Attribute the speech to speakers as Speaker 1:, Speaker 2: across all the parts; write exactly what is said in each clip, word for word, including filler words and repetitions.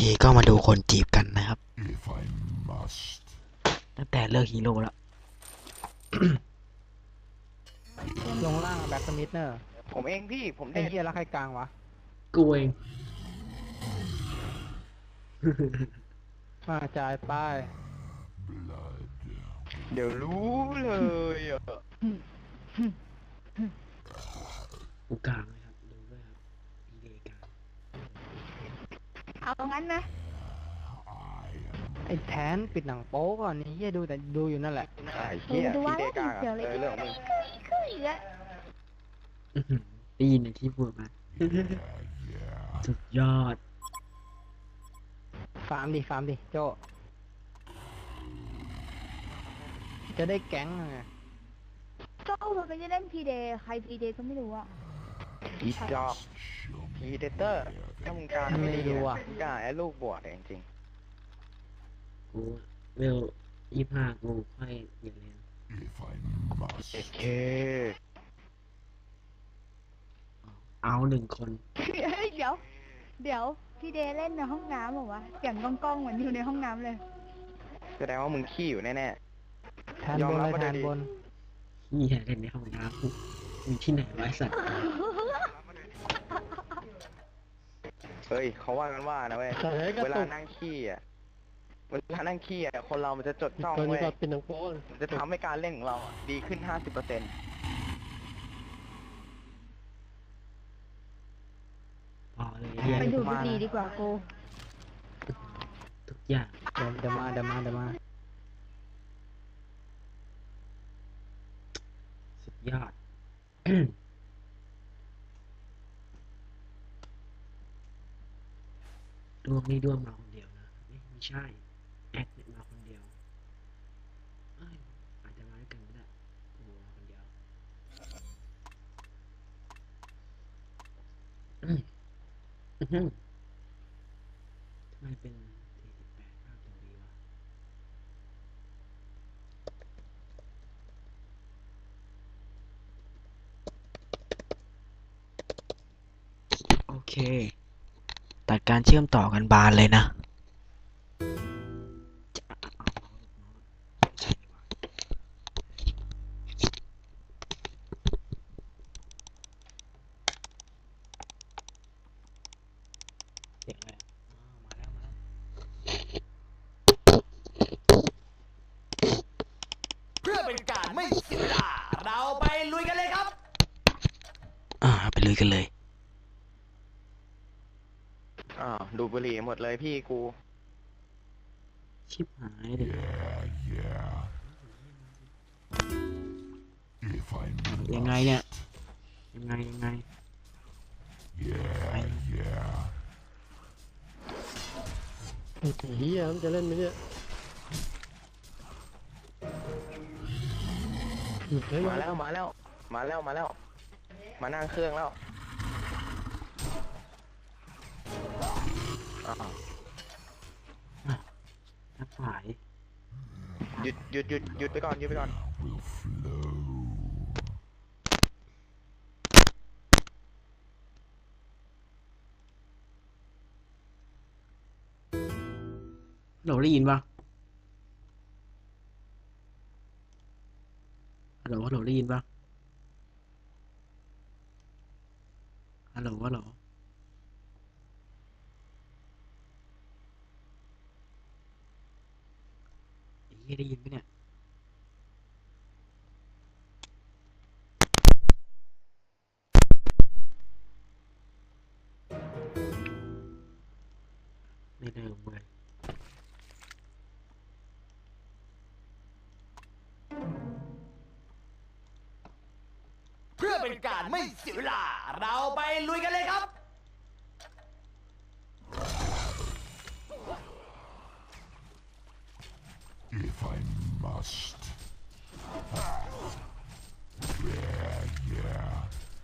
Speaker 1: ก็มาดูคนจีบกันนะครับตั้งแต่เลิกฮีโร่แล้ว
Speaker 2: ลงล่างแบ็คสมิธเนอร์
Speaker 3: ผมเองพี่ผม
Speaker 2: ไอ้
Speaker 3: เด็ด
Speaker 2: เหี้ยแล้วใครกลางวะ
Speaker 4: กูเอง
Speaker 2: มาจ่ายป้าย
Speaker 3: เดี๋ยวรู้เลยอ่ะ
Speaker 4: กูกลางเลยครับดูด้วยครับพีเดกลาง
Speaker 5: เอางั้นนะ
Speaker 2: ไอ้แทนปิดหนังโป๊ก่อนนี่เหี้ยดูแต่ดูอยู่นั่นแหละ
Speaker 3: ไอ้เหี้ย
Speaker 5: ดู
Speaker 3: พี่
Speaker 5: ว่า
Speaker 3: เด
Speaker 5: แล้ว
Speaker 3: กลาง
Speaker 5: เดี๋ยว
Speaker 3: อะ
Speaker 5: เล
Speaker 3: เอย อเรื่องของมึง
Speaker 5: คืออีกแล้ว
Speaker 4: อื้อหือได้ยินในที่พูดมา สุดยอด
Speaker 2: ฟาร์มดิฟาร์มดิโจจะได้แก๊งไง
Speaker 5: โจ้มันไม่ได้เล่นพีเดย์ใครพีเดย์ก็ไม่รู้อะ
Speaker 3: อีจอกพีเดเตอร์ถ้ามึงกล้าไม่ดีอะมึงกล้าไอ้ลูกบวชเองจริง
Speaker 4: กูเวลยี่ห้ากูค่อยเปลี่ยนเลน
Speaker 3: เอเค
Speaker 4: เอาหนึ่งคน
Speaker 5: เฮ้ยเดี๋ยว เดี๋ยวพีเดย์เล่นในห้องน้ำเหรอวะเสียงก้องๆเหมือนอยู่ในห้องน้ำเลย
Speaker 3: แสดงว่ามึงขี้อยู่แน่
Speaker 2: แทนบนเลยแทนบน
Speaker 4: เฮียเล่นในห้องน้ำมีที่ไหนไวะไอ้สัตว์
Speaker 3: ๆเฮ้ยเขาว่ากันว่านะเว้ย
Speaker 2: แต่เฮ้ยกระ
Speaker 3: เวลา
Speaker 2: ตุก
Speaker 3: นั่งขี้อ่ะเวลานั่งขี้อ่ะคนเรามันจะจดจ้อง
Speaker 2: ตัวนี้
Speaker 3: เว้ย
Speaker 2: ก็ปิดหนังโป๊
Speaker 3: มันจะทำให้การเล่นของเราอะดีขึ้น ห้าสิบเปอร์เซ็นต์
Speaker 4: พอเลยเฮีย
Speaker 5: ไปดูดบุหรี่ดีกว่ากู
Speaker 4: ทุกอย่าง
Speaker 2: เดี๋ยวเดี๋ยวมาเดี๋ยวมาเดี๋ยวมา
Speaker 4: สุดยอด ดวงนี่ดวงมาคนเดียวนะไม่ไม่ใช่แอคเนี่ยมาคนเดียวเอ้ยอาจจะมาด้วยกันก็ได้โอ้มาคนเดียวอืมอื้อหือทำไมเป็นสี่สิบแปดภาพตรงนี้วะ
Speaker 1: โอเคตัดการเชื่อมต่อกันบานเลยนะ
Speaker 4: เสียงอะไรอ่ะอ๋อมาแล้วมาแล้ว
Speaker 6: เพื่อเป็นการไม่เสียเวลาเราไปลุยกันเลยครับ
Speaker 1: อ่าไปลุยกันเลย
Speaker 3: อ้าวดูดบุหรี่หมดเลยพี่กู
Speaker 4: ชิบหายเลยยังไงเนี่ยยังไงยังไงไป
Speaker 2: ไอ้เหี้ยมันจะเล่นไหมเนี่ยเฮ้ย
Speaker 3: มาแล้วมาแล้วมาแล้วมาแล้ว มานั่งเครื่องแล้วอ้าว
Speaker 4: ทักสาย
Speaker 3: หยุดหยุดหยุดหยุดไปก่อนหยุดไปก่อน
Speaker 4: ฮัลโหลได้ยินปะฮัลโหลฮัลโหลได้ยินปะฮัลโหลฮัลโหลไอ้เหี้ยได้ยินปะเนี่ยไม่เดิมเลย
Speaker 6: เพื่อเป็นการไม่เสียเวลาเราไปลุยกันเลยครับ
Speaker 7: If I must. Yeah, yeah.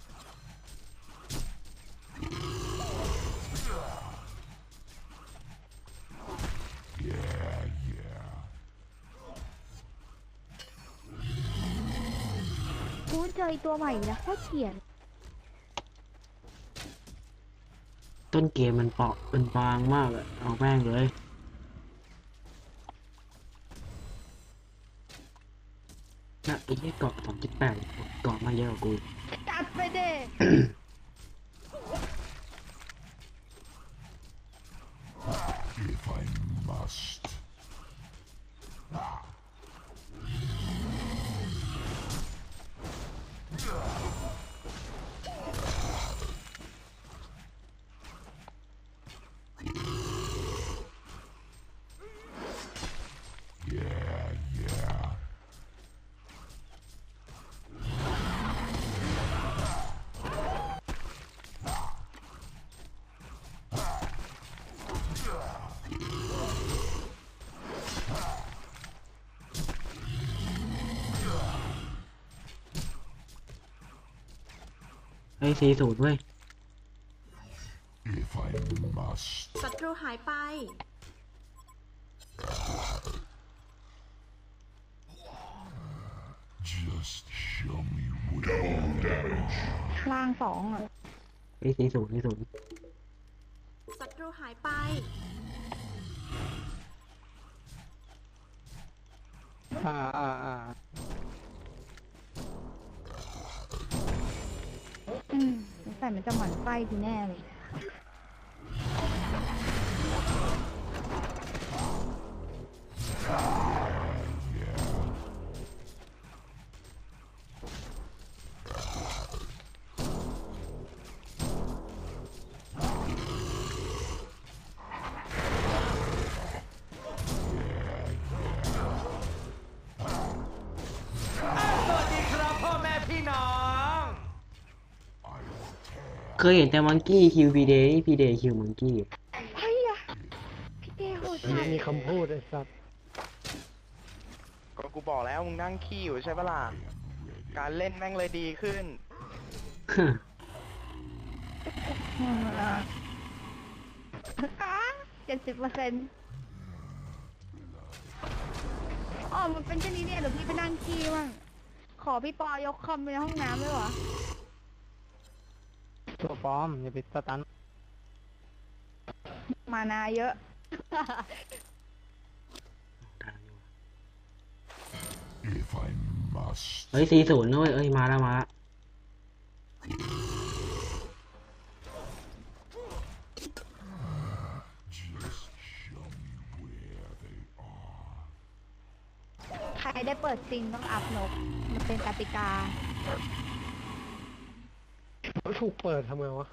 Speaker 7: Yeah, yeah.
Speaker 5: กูเจอตัวใหม่นะโคตรเกลียด
Speaker 4: ต้นเกมมันเปราะมันบางมากอะเอาแม่งเลยนะไอ้ที่เกาะสองจุดแปดเกาะมาเยอะกว่ากู
Speaker 5: จัดไปเด้
Speaker 7: If I must. Yeah, yeah.
Speaker 4: ไอ้สี่ศูนย์เว้ย
Speaker 7: If I must.
Speaker 8: ศัตรูหายไป
Speaker 7: Just show me where damage.
Speaker 5: ล่างสองอ่ะ
Speaker 4: ไอ้สี่ศูนย์สี่ศูนย์
Speaker 8: ศัตรูหายไป
Speaker 2: อ่าอ่าอ่า
Speaker 5: อืมสงสัยมันจะหมั่นไส้ทีแน่เลย
Speaker 6: สวัสดีครับพ่อแม่พี่น้อง
Speaker 4: เคยเห็นแต่มังกี้คิวพีเดย์พีเดย์คิวมังกี้
Speaker 5: เฮ้ยอะพี่เต้โหด
Speaker 2: อัน
Speaker 5: จั
Speaker 2: นี้
Speaker 5: ด
Speaker 2: มีคำพูดไอ้สัตว์
Speaker 3: ก็กูบอกแล้วมึงนั่งขี้อยู่ใช่ปะล่ะ การเล่นแม่งเลยดีขึ้น
Speaker 5: เจ็ดสิบเปอร์เซ็นต์อ๋อมันเป็นเช่นนี้เนี่ยเดี๋ยวพี่ไปนั่งขี้บ้างขอพี่ปอยกคอมไปในห้องน้ำด้วยวะ
Speaker 2: ตัวปลอมอย่าไปสตัน
Speaker 5: มานาเยอะ
Speaker 7: If I must.
Speaker 4: เฮ้ยสี่ศูนย์นะเว้ยเอ้ยมาแล้วมาแล้ว
Speaker 7: Just show me where they are.
Speaker 5: ใครได้เปิดซิงต้องอัพนก มันเป็นกติกา
Speaker 2: เขาถูกเปิดทำไงวะ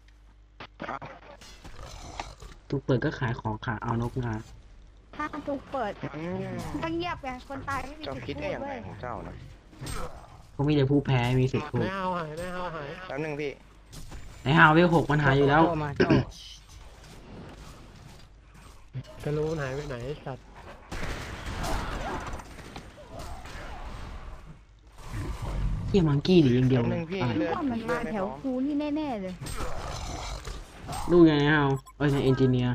Speaker 4: ถูกเปิดก็ขายของขาเอานกงา
Speaker 5: ถ้าถูกเปิด
Speaker 3: อืม
Speaker 5: ต้องเงียบไงคนตายไม่มี
Speaker 3: เจ้า
Speaker 5: สิทธิ์
Speaker 3: คิด
Speaker 5: พู
Speaker 3: ได้
Speaker 5: ด
Speaker 3: อย่าง
Speaker 5: เว้
Speaker 3: ไร
Speaker 5: ย
Speaker 3: ของเจ้านะ
Speaker 4: ก็มีแต่ผู้แพ้มีสิทธิ์ถู
Speaker 2: ไม่
Speaker 4: ก
Speaker 2: เอาหายไม่เอาหาย
Speaker 3: แป๊บนึงพี่
Speaker 4: ไอ้ฮาวเวลหกมันหายอยู่แล้ว
Speaker 2: โจ้มาโจ้จะรู้มันหายไปไหนไอ้สัตว์
Speaker 4: เที่ยมังกี้หนีอย่างเดียว
Speaker 3: แป๊บ
Speaker 4: เล
Speaker 3: นึ
Speaker 4: ย
Speaker 3: งพี่
Speaker 4: อะไร
Speaker 3: เลือด
Speaker 5: ว่ามัน
Speaker 3: เลื
Speaker 5: มา
Speaker 3: อดไม่
Speaker 5: แถ
Speaker 3: พ
Speaker 5: ว
Speaker 3: ร้อม
Speaker 5: คูนี่แน่ๆเลย
Speaker 4: ดูไงฮาวเอ้ยเอนจิเนียร์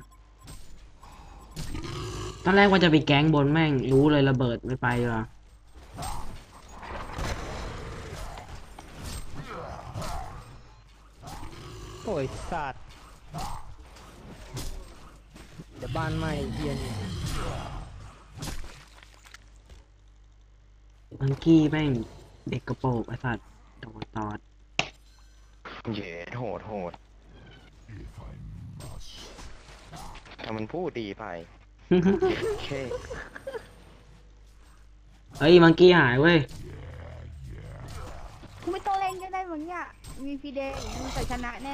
Speaker 4: ตอนแรกว่าจะไปแก๊งบนแม่งรู้เลยระเบิดไม่ไปว่ะ
Speaker 2: โอ้ยสัตว์เดี๋ยวบ้านไหม้เฮียนี่
Speaker 4: มังกี้แม่งเด็กกระโปรงไอ้สัตว์โดนตอด
Speaker 3: เย่โหดโหด
Speaker 7: If I must.
Speaker 3: ถ้ามันพูดดีไปโอเค
Speaker 4: เฮ้ยมังกี้หายเว้ย
Speaker 5: กูไม่ต้องเล่นก็ได้มึงเนี่ยมีฟีเดย์อย่างเงี้ยมันใส่ชนะแน่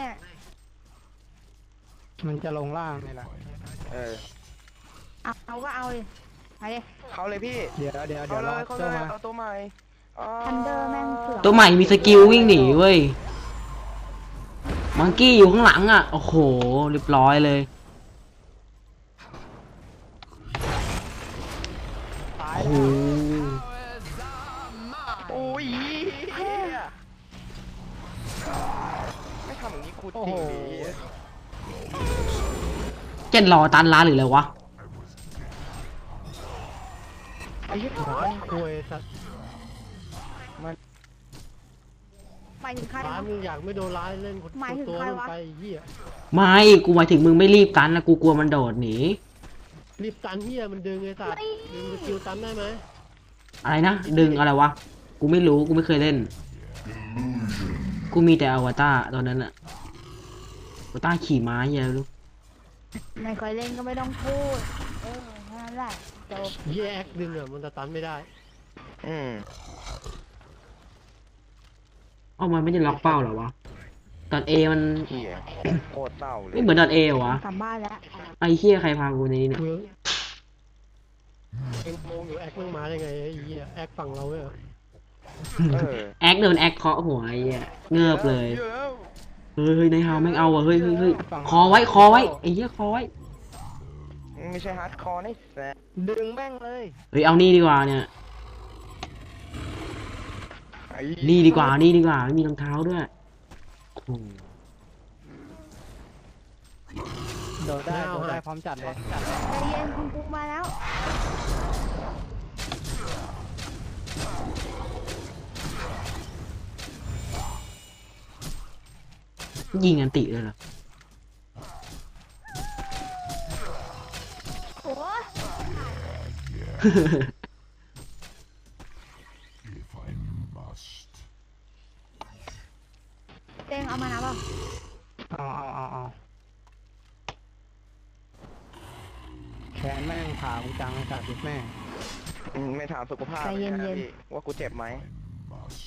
Speaker 2: มันจะลงล่างนี่แหละ
Speaker 3: เออ
Speaker 5: เอาเอาก็เอาเลยไปเลย
Speaker 3: เข้าเลยพี่
Speaker 2: เดี๋ยวเดี๋ยวเดี๋
Speaker 3: เข้า
Speaker 2: ยว
Speaker 3: เล
Speaker 2: รอย
Speaker 3: เข้าเล
Speaker 2: โจ้
Speaker 3: ย
Speaker 2: มา
Speaker 3: เอาตัวใหม่อ๋อ
Speaker 5: ทันเดอร์แม่งเสือก
Speaker 4: ตัวใหม่มีสกิลวิ่งหนีเว้ยมังกี้อยู่ข้างหลังอ่ะโอ้โหเรียบร้อยเลย
Speaker 2: ตาย
Speaker 4: โอ้
Speaker 2: แล้ว
Speaker 4: โห
Speaker 3: โอ้ยเหี้ยไม่ทำอย่างนี้คูจ
Speaker 2: โอ้
Speaker 3: ริ
Speaker 2: โห
Speaker 3: งดิ
Speaker 4: เจ็ดรอตันร้านหรืออะไรวะ
Speaker 3: ไอ้เหี้ย
Speaker 2: หัว
Speaker 3: มัน
Speaker 2: คุยสัตว์
Speaker 5: ไปายถึงใคร
Speaker 2: ร้า
Speaker 5: วนะ
Speaker 2: มึงอยากไม่โดนร้ายเล่นคน
Speaker 5: หมายถึง
Speaker 2: ตัว
Speaker 5: ใคร
Speaker 2: มึง
Speaker 5: วะ
Speaker 2: ไปเหี้ย
Speaker 4: ไม่กูหมายถึงมึงไม่รีบตันนะกูกลัวมันโดดหนี
Speaker 2: รีบตันเหี้ยมันดึงไอ้สัตว์ดึงสกิลตันได้ไหม
Speaker 4: อะไรนะดึงอะไรวะกูไม่รู้กูไม่เคยเล่น กูมีแต่อวตารตอนนั้นอะอวตารขี่ม้าเหี้ยอะลูก
Speaker 5: ไม่เคยเล่นก็ไม่ต้องพูดเออแค่นั้นแหละจบ
Speaker 2: เหี้ยแอคดึงอ่ะมันจะตันไม่ได้
Speaker 3: อืม
Speaker 4: เอ้ามันไม่ได้ล็อกเป้าเหรอวะดอทเอมัน
Speaker 3: เหี้ยโคตรเศร้าเลย
Speaker 4: ไม่เหมือนดอทเอเหรอวะ
Speaker 5: กลับบ้านแล้ว
Speaker 4: ไอ้เหี้ยใครพากูในนี้เนี่ย
Speaker 2: เมืองเอ็งโมงอยู่แอคมึงมาได้ไงไอ้เหี้ยแอคฝั่งเราเนี่ย
Speaker 3: เออ
Speaker 4: แอคโดนแอคเคาะหัวไอ้เหี้ยเงือบเลย
Speaker 3: เยอะแล้ว
Speaker 4: เฮ้ยเฮ้ยนายฮาวแม่งเอาว่ะเฮ้ยเฮ้ยเฮ้ยคอไว้คอไว้ไอ้เหี้ยคอไว้
Speaker 3: ไม่ใช่ฮาร์ดคอร์นี่แซ่
Speaker 2: ดึงแม่งเลย
Speaker 4: เฮ้ยเอานี่ดีกว่าเนี่ย
Speaker 3: ไอ้
Speaker 4: นี่ดีกว่านี่ดีกว่าไม่มีรองเท้าด้วยโอ้โห
Speaker 2: โดดได้โดดได้พร้อมจัดเลย
Speaker 5: ใจเย็นคุณปุ๊กมาแล้ว
Speaker 4: ยิงอันติเลยเหรอ
Speaker 5: โอ้ย
Speaker 7: If I must.
Speaker 5: เต้งเอามานะเปล่า
Speaker 2: เอาเอาเอาเอาแขนแม่งขากูจังไอ้สัตว์ดิแม่ง
Speaker 3: อืมไม่ถามสุขภาพ
Speaker 5: ใจเย็น
Speaker 3: นะ
Speaker 5: เย็น
Speaker 3: พี่ว่ากูเจ็บไหม
Speaker 7: I must.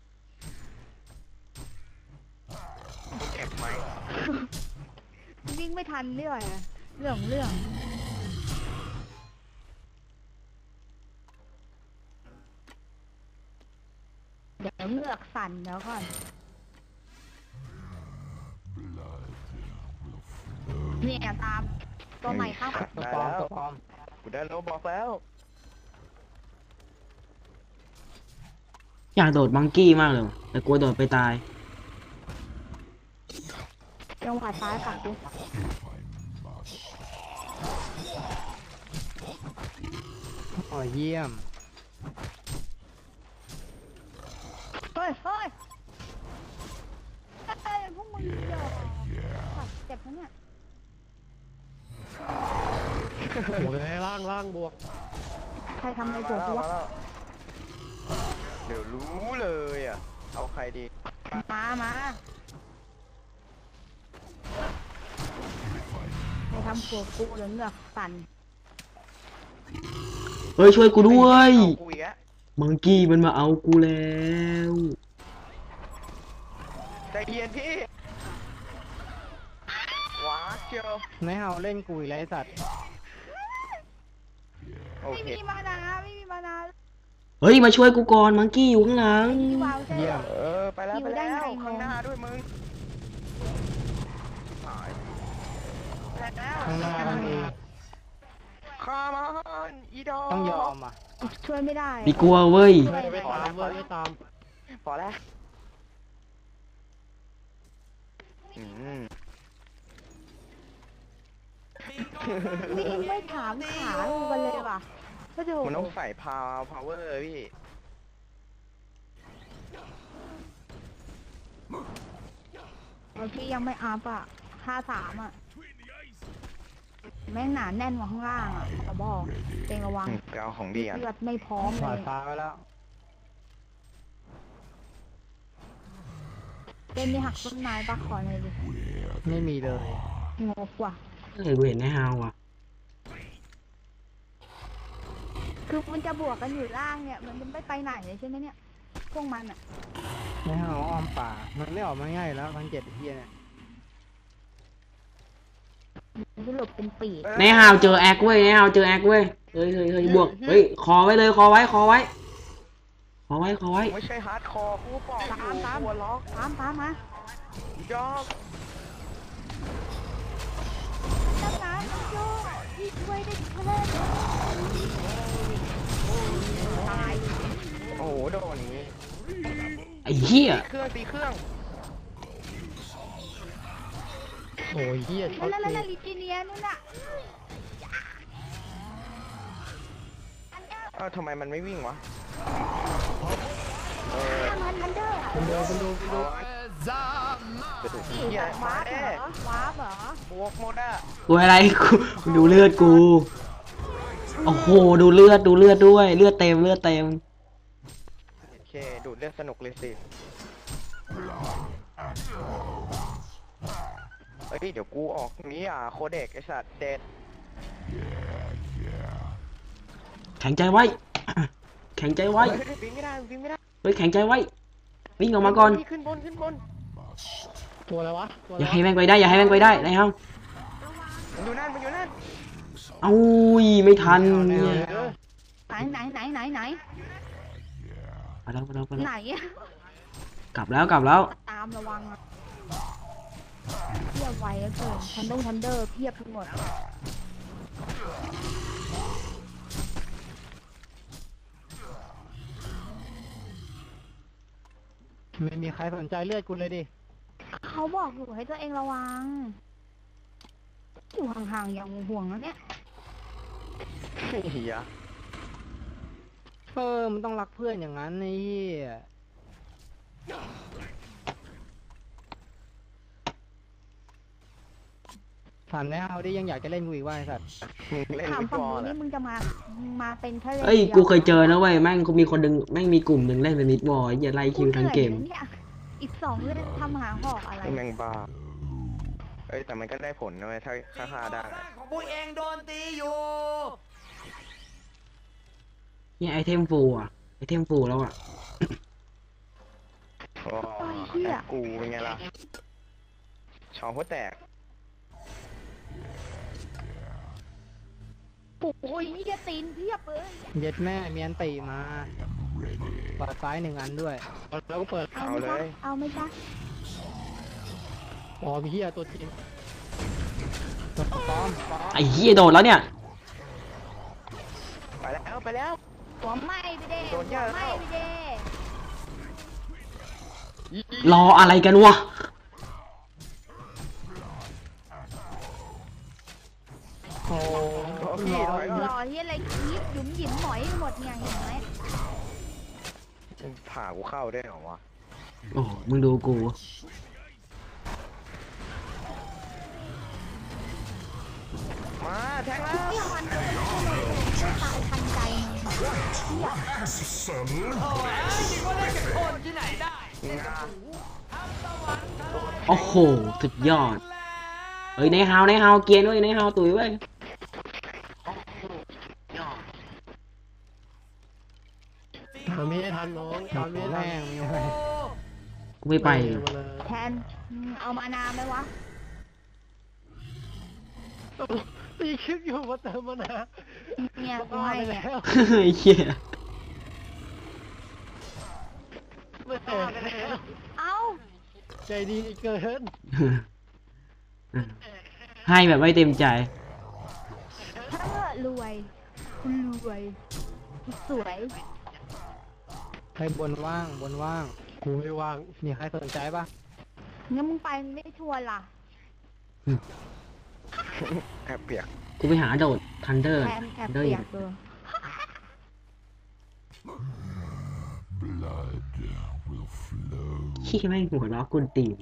Speaker 3: กูเจ็บไหม
Speaker 5: วิ่งไม่ทันด้วยอะเรื่องเรื่องเดี๋ยวเหงือกสั่นเดี๋ยวก่อน เนี่ยตามตัวใหม่เข้า
Speaker 2: ตัว
Speaker 3: ได้
Speaker 2: ปลอม
Speaker 3: แล้ว
Speaker 2: ตัวปลอม
Speaker 3: กูได้โลบอกแล้ว
Speaker 4: อยากโดดมังกี้มากเลยว่ะแต่กลัวโดดไปตาย
Speaker 5: จังหวะซ้ายฝั่งกู
Speaker 2: อ๋อเยี่ยม
Speaker 5: เฮ้ยเฮ้ยเฮ้ยพวกมึงเดี๋ยวสัตว์เจ็บนะเนี่ย
Speaker 2: โอ้ยล่างล่างบวก
Speaker 5: ใครทำอะไร
Speaker 3: มา
Speaker 5: ปวด
Speaker 3: แล้ว
Speaker 5: หัว
Speaker 3: มาแล้วเดี๋ยวรู้เลยอ่ะ เอาใครดี
Speaker 5: มามาใครทำปวดกูหรือเหงือกสั่น
Speaker 4: เฮ้ยช่วยกูด้วย
Speaker 3: เอากูอีกแล้ว
Speaker 4: มังกี้มันมาเอากูแล้ว
Speaker 3: ใจเย็นพี่ว้าเชียว
Speaker 2: ไม่เอาเล่นกูอีกแล้วไอ้สัตว์
Speaker 3: โอ
Speaker 5: ไม่
Speaker 3: เค
Speaker 5: มีมานาไม่มีมานา
Speaker 4: เฮ้ยมาช่วยกูก่อนมังกี้อยู่ข้างหลัง
Speaker 5: พี่วาวใช่ไหม
Speaker 3: เออ ไปแล้ว
Speaker 5: อยู่
Speaker 3: ไป
Speaker 5: ได้
Speaker 3: แล้ว
Speaker 5: ไง
Speaker 3: ข้างหน้าด้วยมึงหายแล้ว
Speaker 2: ข้างหน้ามันมี
Speaker 3: คามันอีดอ
Speaker 2: ต้องยอมอ่ะ
Speaker 5: ช่วยไม่ได้
Speaker 4: มีกลัวเว้ย
Speaker 2: ไม่ไม่ตามเว้ยไม่ตาม
Speaker 3: พอแล้วอืม
Speaker 5: วิ่งไม่ถามขาดูกันเลยว่ะก็ดู
Speaker 3: มันต้องใส่พาวพาวเวอร์พี่
Speaker 5: พี่ยังไม่อัพอ่ะห้าสามอ่ะแม่งหนาแน่นกว่าข้างล่างอ่ะขอบอกเองระวัง
Speaker 3: ไปเอาของดีอ่ะ
Speaker 5: เลือดไม่พร้อมเล
Speaker 2: ผ่าน
Speaker 5: ย
Speaker 2: ฟ้าไปแล้ว
Speaker 5: เต้นนี่หักต้นไม้ปะขอเลยดิ
Speaker 2: ไม่มีเลย
Speaker 5: งกว่ะ
Speaker 4: เฮ้ยกูเห็นนายฮาวอ่ะ
Speaker 5: คือมันจะบวกกันอยู่ล่างเนี่ย มันจะไม่ไปไหนเลยใช่ไหมเนี่ย พวกมันอ่ะ
Speaker 2: ไม่เอาอ้อมป่า มันไม่ออกมาง่ายอยู่แล้วพันเจ็ดไอ้เฮียเนี่ย
Speaker 5: มันจะหลบเป็นปีก
Speaker 4: นายฮาวเจอแอคเว้ยนายฮาวเจอแอคเว้ยเฮ้ยเฮ้ยเฮ้ยบวกเฮ้ยคอไว้เลยคอไว้คอไว้คอไว้คอไว้
Speaker 3: ไม่ใช่ฮาร์ดคอร์กูบอกอยู่
Speaker 5: ตามตาม
Speaker 3: หัวล็อก
Speaker 5: ตามตามมา
Speaker 3: จอก
Speaker 5: ตามน้ำโย่ที่ช่วยได้เพื่อนตาย
Speaker 3: โอ้โหโดนอย่างนี้
Speaker 4: ไอ้เหี้ย
Speaker 3: เครื่องตีเครื่อง
Speaker 2: โอ้ยเฮียช็อต
Speaker 5: แล้วแล้ว
Speaker 2: กู
Speaker 5: แล้วลิจิเนียนู่นน่ะ
Speaker 3: เอ้าทำไมมันไม่วิ่งวะเออ
Speaker 5: มันทันเดอร์อะ
Speaker 2: คุณดูคุณดูคุณดู
Speaker 3: กระดูก
Speaker 5: ผี
Speaker 3: เหี้ย
Speaker 5: แบบ
Speaker 3: มาว
Speaker 5: าร์ปเหร
Speaker 3: เด้
Speaker 5: อวาร์ปเหรอบ
Speaker 3: วกหมดอ่ะ
Speaker 4: กูอะไรกูกูดูเลือดกูโอ้โหดูเลือดดูเลือดด้วยเลือดเต็มเลือดเต็ม
Speaker 3: โอเคดูดเลือดสนุกเลยสิเฮ้ยเดี๋ยวกูออกนี้อ่ะโคเด็กไอสัตว์เด็ด
Speaker 4: แข็งใจไว้ แข็งใจไว้
Speaker 3: เฮ้ยวิ่งไม่ได้วิ่งไม่ได้
Speaker 4: เฮ้ยแข็งใจไว้วิ่งออกมาก่อน
Speaker 3: ขึ้นบนขึ้นบน
Speaker 2: ตัวอะไรวะตัวอะไร
Speaker 4: อย่าให้
Speaker 2: วะ
Speaker 4: แม่งไปได้อย่าให้แม่งไปได้ในห้อง
Speaker 3: มันอยู่นั่นมันอยู่นั่น
Speaker 4: เอายไม่ทันเนี่ย
Speaker 2: เออ
Speaker 5: ไหนไหนไหนไหนไหน
Speaker 4: ไปแล้วไปแล้วไปแล้ว
Speaker 5: ไหนอะ
Speaker 4: กลับแล้วกลับแล้ว
Speaker 5: ตามระวังอะเพียบไวอะเกินทันดงทันเดอร์เพียบทั้งหมด
Speaker 2: ไม่มีใครสนใจเลือดกูเลยดิ
Speaker 5: เขาบอกอยู่ให้ตัวเองระวัง อยู่ห่างๆอย่างห่วงๆนะเนี่ย
Speaker 3: เฮีย
Speaker 2: เออมันต้องรักเพื่อนอย่างนั้นไอ้เหี้ยถามแล้วเอาดิยังอยากจะเล่นกูอีกว่าไอ้สัตว์
Speaker 3: เล่น
Speaker 5: ถาม
Speaker 3: ฟุต
Speaker 5: ฝั่
Speaker 3: บ
Speaker 5: ง
Speaker 3: อล
Speaker 5: นู้น
Speaker 3: อ่ะ
Speaker 5: นี่มึงจะมา มาเป็นแค่ล่น
Speaker 4: เอ้ย
Speaker 5: ดีว
Speaker 4: กูเคยเจอนะเว้ยแม่งกูมีคนดึงแม่งมีกลุ่มหนึ่งเล่นเป็นมิดบอลอย่าไล่คิวทั้งเกม
Speaker 5: หนื่อยลยเนี่ยอีกสองเล่นทำหาหอกอะไร
Speaker 3: ไอ้แมงบ้าเอ้ยแต่มันก็ได้ผลนะเว้ยถ้าถ้าฆ่าได้อะ
Speaker 6: ของพวกเองโดนตีอยู่
Speaker 4: เนี่ยไอเทมฟูอ่ะไอเทมฟูแล้วอ่ะ
Speaker 3: โอ้แอปกูเป็นไงล่ะช่องหัวแตก
Speaker 5: โอ้ยนี่จะตีนเพียบเลย
Speaker 2: เย็ดแม่เมียนตีมาเปิดซ้ายหนึ่งอันด้วยแล้วก็เปิด
Speaker 5: เอาไหมจ๊ะเอาไหมจ๊ะ
Speaker 2: อ๋อพี่เหี้ยตัวจริงตัวปลอมปลอม
Speaker 4: ไอเฮียโดนแล้วเนี่ย
Speaker 3: ไปแล้วไปแล้ว
Speaker 5: หัวไหม้ไปเด้
Speaker 3: โดน
Speaker 5: หั
Speaker 3: ย่าว
Speaker 5: ไหม้
Speaker 3: เข้า
Speaker 5: ไปเด้
Speaker 4: รออะไรกันวะ
Speaker 2: โอ้
Speaker 3: โอ้พี่ถอย
Speaker 5: ร
Speaker 3: ก่อน
Speaker 5: อที่อะไรคลิปหยุมหยิมหมอยหมดเนี่ยเห็นไหม
Speaker 3: ผ่ากูเข้าได้เหรอวะ
Speaker 4: โอ้มึงดูกู
Speaker 3: มาแทงแล้ว
Speaker 5: ที่มันก็ไม่ตายทันใจเนี่ย
Speaker 4: โอ้โหสุดยอดเอ้ยในฮาวในฮาวเกียร์ด้วยในฮาวตุ๋ยเว้ย
Speaker 2: ตามไม่ให้ทันน้องตามไม่ให้ทัน
Speaker 3: แม่งยังไง
Speaker 4: กูไม่ไป
Speaker 2: มาเลย
Speaker 5: แทนอืมเอามานาไหมวะ
Speaker 2: ตีคลิปอยู่มาเติมมานะ
Speaker 5: เนี่ยกู
Speaker 2: บ้า
Speaker 5: ให้
Speaker 2: ไป
Speaker 5: เนี่ย
Speaker 2: แล้ว
Speaker 4: ไอ้เหี้ย
Speaker 2: ไม่เห็นแล้ว
Speaker 5: เอา
Speaker 2: ใจดีเกิน
Speaker 4: ให้แบบไม่เต็มใจ
Speaker 5: ถ้ารวยคุณรวยคุณสวย
Speaker 2: ให้บนว่างบนว่างกูไม่ว่างมีใครสนใจปะ
Speaker 5: งั้นมึงไปไม่ชวนล่ะ
Speaker 3: แอบเปียก
Speaker 4: กูไปหาโดดทันเดอร์
Speaker 5: แทนแอบ
Speaker 4: เดอร์
Speaker 5: เปี
Speaker 4: อย
Speaker 5: กเลย
Speaker 7: Blood will flow.
Speaker 4: ขี้แม่งหัวล้อกุนตีน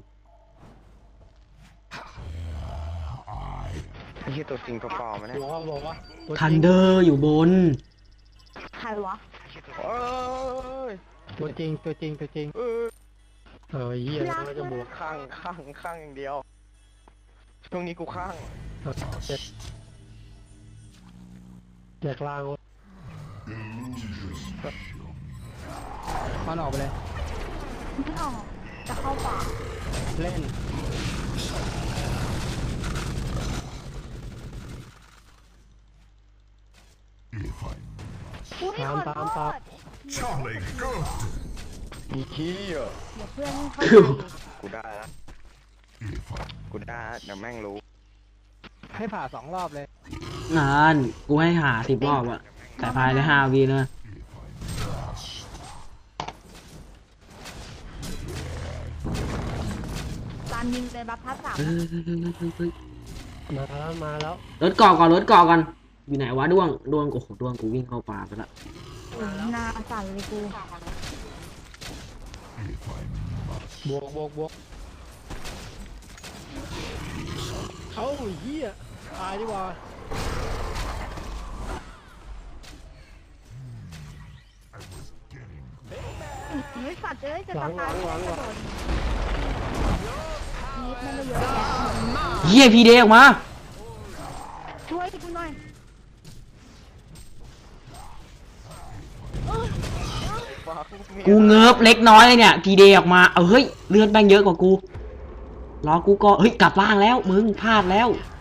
Speaker 3: ไอ้ที่ตัวจริงตัวปลอมมันเนี่ย
Speaker 2: บอกว่าบอกว่าตัวจ
Speaker 4: ทัน
Speaker 2: ริง
Speaker 4: เดอร์อยู่บน
Speaker 5: ใครวะ
Speaker 3: โอ้ย
Speaker 2: ตัวจริงตัวจริงตัวจริง
Speaker 3: เออ
Speaker 2: เออเหี้ยแล้วจะบวก
Speaker 3: ข้างข้างข้างอย่างเดียว ช่วงนี้กูข้าง
Speaker 2: เจ็ดแจกลางมันออกไปเลย
Speaker 5: ไม่ออกจะเข้าป่า
Speaker 2: เล่น
Speaker 7: If I
Speaker 5: อุ้ยขอโทษ
Speaker 7: Charlie, good.
Speaker 3: อีขี้อ่ะ
Speaker 5: เดี๋ยวเพื่อนเข้าใจอีก
Speaker 3: กูได้แล้ว
Speaker 7: If I
Speaker 3: กูได้แล้วเดี๋ยวแม่งรู้
Speaker 2: ให้ผ่าสองรอบเลย
Speaker 4: งานกูให้หาสิบรอบอะแต่ภายในห้าวีนะ
Speaker 5: การยิงเป็นบัฟพัดสาม
Speaker 4: เฮ้ยเฮ้ยเฮ้ยเฮ้ยเฮ้ย
Speaker 2: มาแล้วมาแล้ว
Speaker 4: รถเกาะก่อนรถเกาะก่อนอยู่ไหนวะด้วงด้วงโอ้โหด้วงกูวิ่งเข้าป่าไปละ
Speaker 5: หน้าสั่นเลยกู
Speaker 2: บวกบวกบวกเขาเหี้ยตายดีกว่า
Speaker 5: เฮ้ยสัตว์เอ้ยจะ
Speaker 2: หลั
Speaker 5: ตาง
Speaker 2: ห
Speaker 5: ย
Speaker 2: ลังหลังหลัง
Speaker 5: นิดมันไม่เยอะแยะ
Speaker 4: เฮียพีเดออกมา
Speaker 5: ช่วยกูหน่อย
Speaker 4: กูเงิบเล็กน้อยเลยเนี่ยพีเดออกมาเอาเฮ้ยเลือดแม่งเยอะกว่ากูรอกูก็เฮ้ยกลับล่างแล้วมึงพลาดแล้ว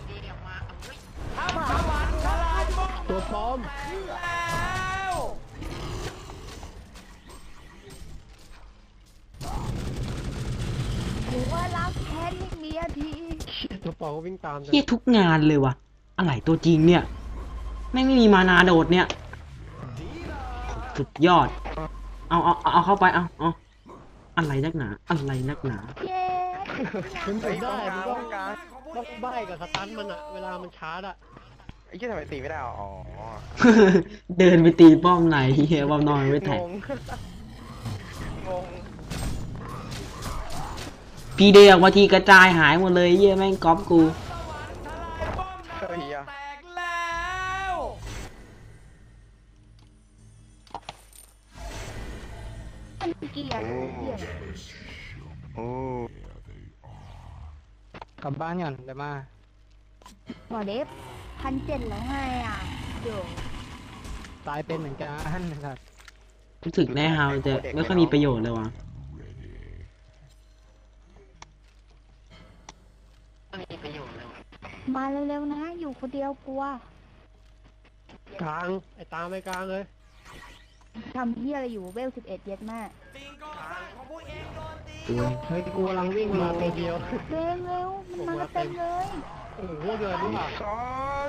Speaker 2: ตัวปลอม
Speaker 5: กูว่ารับแค้นให้เมียที
Speaker 2: ตัวปลอมก็วิ่งตาม
Speaker 4: เฮียทุกงานเลยวะอะไรตัวจริงเนี่ยแม่งไม่มีมานาโดดเนี่ยสุดยอดเอาเอาเอาเข้าไปเอาเอาอะไรนักหนาอะไรนักหนา
Speaker 5: เย้
Speaker 2: มันถึงได้มัน
Speaker 3: ต้
Speaker 2: ต้
Speaker 3: อ
Speaker 2: อง ง
Speaker 3: การ
Speaker 2: ต้องใบ้กับสตันมันอะเวลามันชาร์จอะ
Speaker 3: ไอ้เหี้ยทำไมตีไม่ได้อ่ะอ๋อ
Speaker 4: เดินไปตีป้อมไหนเฮียป้อมนอนไม่แทง
Speaker 3: งงงง
Speaker 4: พีเดออกมาทีกระจายหายหมดเลยเฮียแม่งก๊อปกู
Speaker 3: เฮ้ยอ่ะ
Speaker 6: แตกแล้ว
Speaker 5: มันเกลียดเกลียด
Speaker 3: โอ้
Speaker 2: กลับบ้านก่อนเดี๋ยวมา
Speaker 5: หมอเดฟพันเจ็ดแล้วไงอ่ะเดี๋ยว
Speaker 2: ตายเป็นเหมือนกันนะครับ
Speaker 4: รู้สึกแน่ฮาวจะไม่ค่อยมีประโยชน์เลยวะ
Speaker 5: มาเร็วๆนะอยู่คนเดียวกลัว
Speaker 2: กลางไอ้ตามไปกลางเลย
Speaker 5: ทำเฮียอะไรอยู่เวลสิบเอ็ดเย็ดแม่
Speaker 6: สิ่งก่อสร้างของพวกเองโดนตี
Speaker 4: โอ้ย
Speaker 2: เฮ้ยกูกำลังวิ่งมาตัวเดียว
Speaker 5: เร็วเร็วมันมาเต็มเลย
Speaker 2: โอ้โหเดินดีกว่า
Speaker 3: ซอส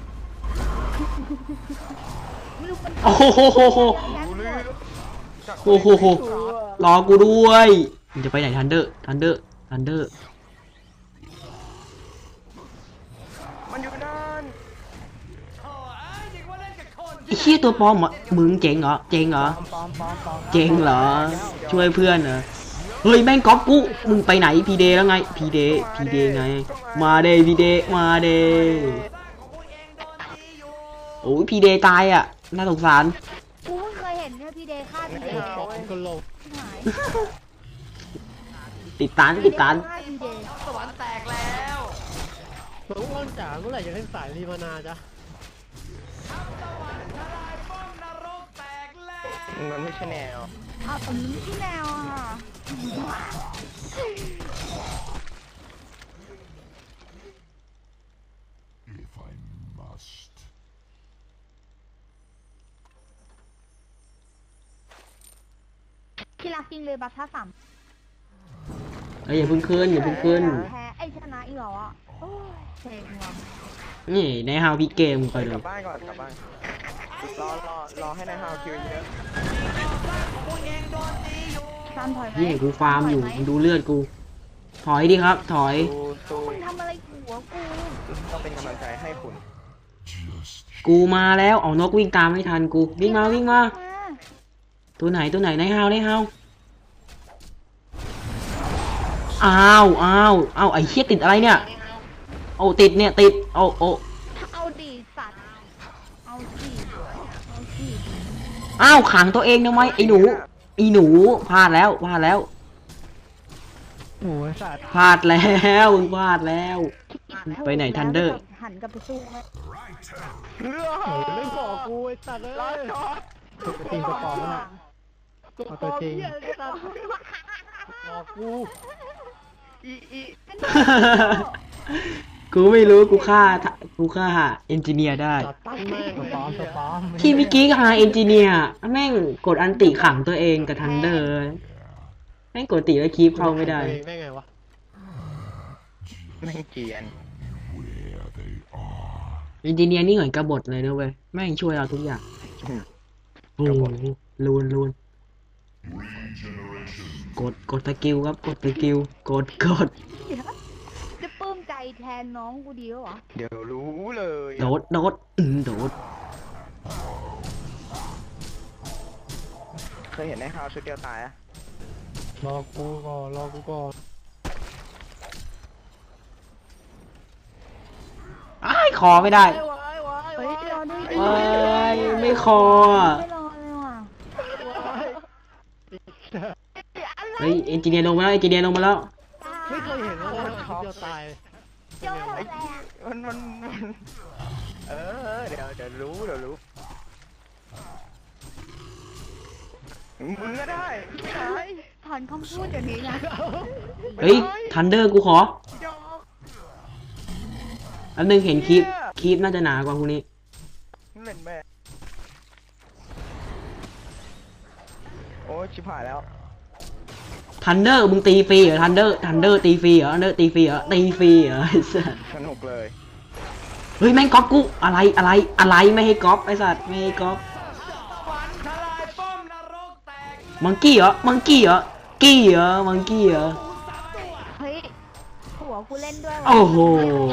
Speaker 5: ไม่รู้มัน
Speaker 4: โอ้โห
Speaker 5: ยันหมด
Speaker 4: โอ้โหรอกูด้วยมึงจะไปไหนทันเดอร์ทันเดอร์ทันเดอร์
Speaker 3: มันอยู่นั่น
Speaker 6: โอ้ยเด็กว่าเล่นกับคน
Speaker 4: ไอ้เหี้ยตัวปลอมเหรอมึงเจ๋งเหรอเจ๋งเหรอ
Speaker 2: ปอมปอมปอมปอม
Speaker 4: เจ๋งเหรอช่วยเพื่อนเหรอเฮ้ยแม่งก๊อปกูมึงไปไหนพีเดแล้วไงพีเดพีเดไงมาเดพีเดมาเด
Speaker 6: ของพวกเองโดนตีอยู่
Speaker 4: โอ้ยพีเดตายอ่ะน่าสงสาร
Speaker 5: กูเพิ่งเคยเห็นเนี่ยพี่เดย์ฆ่าพี่เดย์
Speaker 2: ปอมก็ลง
Speaker 5: หาย
Speaker 4: ติดตามติดตาม
Speaker 5: ฆ่าพี่เดย์
Speaker 6: สวรรค์แตกแล้ว
Speaker 2: น้องอ้อนจ๋าเมื่อไหร่จะเล่นสายรีมานาจ๊ะ
Speaker 6: ป้อมนรกแตกแล้ว
Speaker 3: มันไม่ใช่แนว
Speaker 5: อ้าวแต่มันไม่ใช่แนวอ่ะ
Speaker 7: If I must.
Speaker 5: ที่รักจริงเลยบัตท่าสาม
Speaker 4: เอ้ยอย่าเพิ่งขึ้นอย่าเพิ่งขึ้น
Speaker 5: แพ้ไอ้ชนะอีกเหรออ่ะโอ้ยเซ็งว่ะ
Speaker 4: นี่ในฮาวพีเกมคอย
Speaker 3: ก
Speaker 4: ดู
Speaker 3: ลับบ้านก่อนกลับบ้านรอรอรอให้นายฮาวคิวเยอะ
Speaker 6: ของพวกเองโดนตีอยู่
Speaker 5: ซันถอยไหม
Speaker 4: นี่กูฟาร์มอยู่
Speaker 5: ถไห
Speaker 4: มึงดูเลือดกู ถอยดิครับ ถอย
Speaker 3: สู้สู้
Speaker 5: มึงทำอะไรหัวกู
Speaker 3: ต้องเป็นกำลังใจให้คุณ
Speaker 7: Just
Speaker 4: กูมาแล้วเอานกวิ่งตามไม่ทันกูวิ่งมาวิ่งมา
Speaker 5: มา
Speaker 4: ตัวไหนตัวไหนในฮาวในฮาวอ้าวอ้าวอ้าวไอ้เหี้ยติดอะไรเนี่ยโอ้ติดเนี่ยติดโอ้โอ้
Speaker 5: เอาดีสัตว์เอาสิเอาสิ
Speaker 4: อ้าวขังตัวเองทำไมไอ้หนูไอ้หนูพลาดแล้วพลาดแล้ว
Speaker 2: โอ้ยสัตว์
Speaker 4: พลาดแล้วมึงพลาดแล้ว ไปไหน Thunder
Speaker 5: หันกลับไปสู้ไหม
Speaker 3: เรือ
Speaker 2: โอ้ยไม่บอกกูไอ้สัตว์เลย
Speaker 3: รอจอด
Speaker 2: ตัวจริงตัวปลอมน่ะ เอาตัวจริง
Speaker 5: เหี้ยเลยสัตว์
Speaker 2: บอกกู
Speaker 3: อีอี
Speaker 4: กูไม่รู้กูฆ่ากูฆ่าเอนจิเนียร์ได้
Speaker 2: ตัดตั้งแม่งตัวปลอมตัวปลอม
Speaker 4: ที่เมื่อกี้ฆ่าเอนจิเนียร์แม่งกดอันติขังตัวเองกับทันเดอร์แม่งกดติแล้วคีปเข้าไม่ได้
Speaker 2: ตัวเองได้ไงวะ
Speaker 3: แม่งเกรียน
Speaker 7: where they are.
Speaker 4: เอนจิเนียร์นี่เหมือนกบฏเลยนะเว้ยแม่งช่วยเราทุกอย่างโอ้โหลูนลูน
Speaker 7: Regeneration.
Speaker 4: กดกดสกิลครับกดสกิลกดกด
Speaker 5: จะปลื้มใจแทนน้องกูดีแล้วเหรอ
Speaker 3: เดี๋ยวรู้เลย
Speaker 4: โดดโดดอืมโดด
Speaker 3: เคยเห็นนายฮาวชุดเดียวตายอะ
Speaker 2: รอกูก่อนรอกูก่อน
Speaker 4: อ้ายคอไม่ได้
Speaker 5: เฮ้ยรอด้วย
Speaker 4: เอ้ยไม่คออ่ะ
Speaker 5: ไม่รอเลยว่ะ
Speaker 4: เฮ้ยเอนจิเนียร์ลงมาแล้วเอนจิเนียร์ลงมาแล้ว
Speaker 2: ไม่เคยเห็นเลยว่าช็อตตาย
Speaker 5: โจ้อะไรอ่ะ
Speaker 3: มันมันมันเออเดี๋ยวเดี๋ยวรู้เดี๋ยวรู้มึงก็ได้ไม่ได้
Speaker 5: ถอนคำพูดเดี๋ยวนี้นะ
Speaker 4: เฮ้ยทันเดอร์กูขอ
Speaker 3: ดอก
Speaker 4: อันนึงเห็นคลิปคลิปน่าจะหนากว่าพวกนี้
Speaker 3: เล่นแม่โอ้ยชิบหายแล้ว
Speaker 4: ทันเดอร์มึงตีฟรีเหรอทันเดอร์ทันเดอร์ตีฟรีเหรอทันเดอร์ตีฟรีเหรอตีฟรีเหรอไอ้สัส
Speaker 3: สนุกเลย
Speaker 4: เฮ้ยแม่งก๊อปกูอะไรอะไรอะไรไม่ให้ก๊อปไอ้สัสไม่ให้ก๊อป
Speaker 6: ฝันทลายป้อมนรกแตก
Speaker 4: มังกี้เหรอมังกี้เหรอกี้เหรอมังกี้เหรอ
Speaker 5: เฮ้ยหัวกูเล่นด้วยว่ะ
Speaker 4: โอ้โห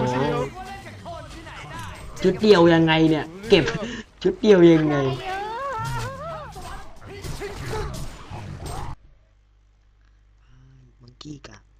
Speaker 4: ชุดเดียวยังไงเนี่ย เก็บชุดเดียวยังไง
Speaker 5: เยอะ
Speaker 1: มังกี้กัน